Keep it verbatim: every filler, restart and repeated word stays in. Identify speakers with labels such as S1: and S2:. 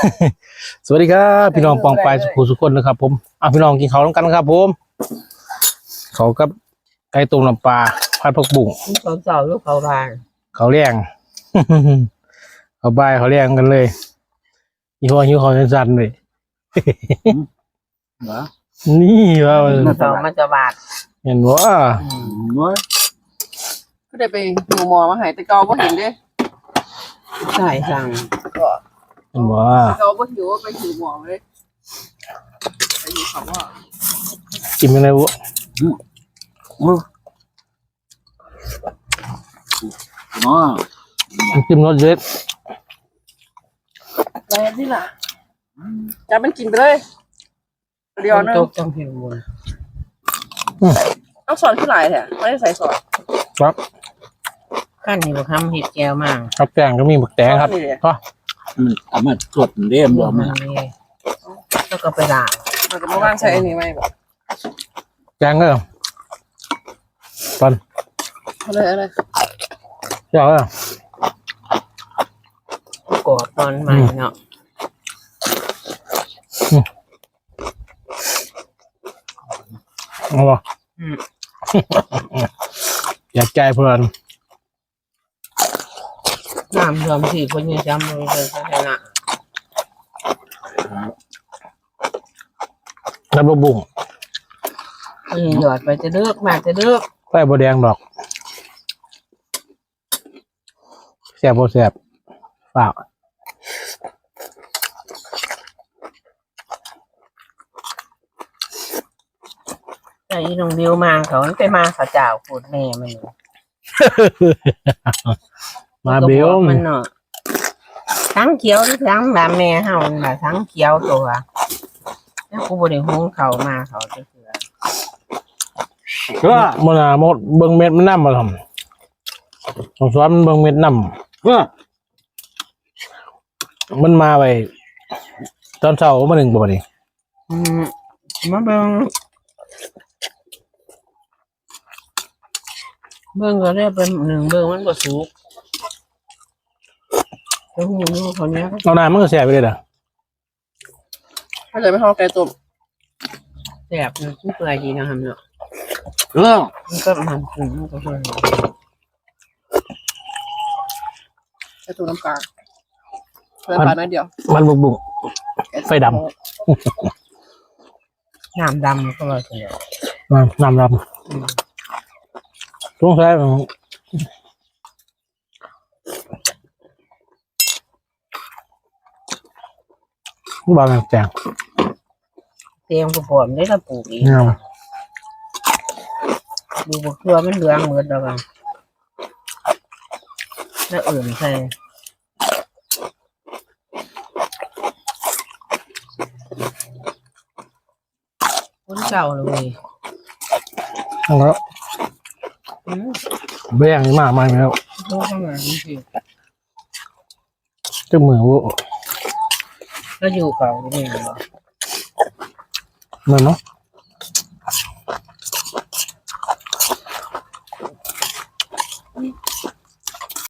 S1: สวัสดีครับพี่น้องปองปลายสุขุสุขคนนะครับผมอ่ะพี่น้องกินข้าวต้องกันครับผมเขากับไก่ต้มน้ำปลาผัดผักบุ้ง
S2: เขาเจ้าลูกเขาบาง
S1: เขาเลี้ยง เขาบายเขาเลี้ยงกันเลยยี่ห้อหิวเขาสั้นๆเลย
S3: เหรอ
S1: นี่ว่า
S2: เขามาจะบาด
S1: เห็นว่า
S3: น้อย
S4: ก็ได้ไปหมู่หมอมาหายแต่เกาบ่เห็นเด้
S2: ใส่สั่ง
S4: ก็
S1: เห็นว่า
S4: เกาบ่หิวไปหิวหมอเลยไปหิวเขาว่า
S1: กินยังไงวะ
S3: อื้อน้อย
S1: กินรสเล็ด
S4: อะไรนี่ล่ะจะมันกินไปเลยเดียวนึง
S2: ตกจังผิวบน
S4: เอาสอนขึ้นหลายแท้ไม่ได้ใส่สอน
S1: ครับ
S2: ขั้นนี้บอกทำเห็ดแก้วมาก
S1: ครับแกงก็มีหมึกแดงครับก็
S3: มันเอามาตรวจเรียม
S2: ร
S3: ร
S2: ว
S3: ว
S2: ม
S3: ม
S2: มั
S3: มาน
S2: นี่แล้วก็ไปด่าง
S4: มันก็มาว่างใช้อันนี้ไหมแบบ
S1: แกงก็ตอน
S4: อะไรอะไร
S1: เจ้าก็
S2: กอดตอนใหม่เนาะ
S1: เอาบ่อยากใจเพื่อน
S2: น้ำรวมสี่คนยังจำเลยเลยชนะ
S1: น้ำลูกบุ้ง
S2: อืมหยอดไปจะเลือกมาจะเลือก
S1: ใส่บัวแดงดอกแซ่บบัแซ่บเปล่า
S2: แต่อีน้องดิวมาเขาไปมาเขาเจ้าพูดแม่มัน
S1: มาเบล
S2: มันเนาะทั้งเขียวทั้งแบบแม่เฮาน่ะทั้งเขียวตัวแล้วกูบ่ได้หุงเขามาเขาจะเสือ
S1: ก็มันอ่ะมดเบิ่งเม็ดมันน้ำมาทำต้องสอนมันเบิ่งเม็ดน้
S3: เพื่อ
S1: ำมันมาไปตอนเช้ามาหนึ่งบ่ดิ
S2: อืมมาเบิ่งเบิ่งก็ได้เป็นหนึ่งเบิ่งมันบ่สุกแล้วหูนูเขาเนี้ย
S1: เอาน้ำมันก็แซ่บไปเลยเด้อ
S4: ถ้าเลยไม่ทอดไก่ต้ม
S2: แซ่บมันเปื่อยดีนะครับเนาะ
S3: เออ
S2: มันก็มันกลุ่มมันก็เปื่อย
S4: ไก่ต้มน้ำปลาเพิ่มปลาหน่อยเดียว
S1: มันบุกบุก ไฟด
S2: น้ำดำก็เลยเสีย
S1: น้ำน้ำดำช่วงแซ่บบางแจง
S2: เตรียมกระป๋อมได้ละปลูกอีก
S1: เนี่ย
S2: ดูบกเกลือมันเหลืองเหมือนแล้วกันแล้วอื่นใส่คนเก่าเลย
S1: แล้ว
S2: อืม
S1: เบี้ยงนี่มากมายแล้ว
S2: ดูข้างหลังนี่สิ
S1: เจ้ามือวุ
S2: ก็อยู่เขาเนี่ยเหรอ
S1: นั่นเนาะ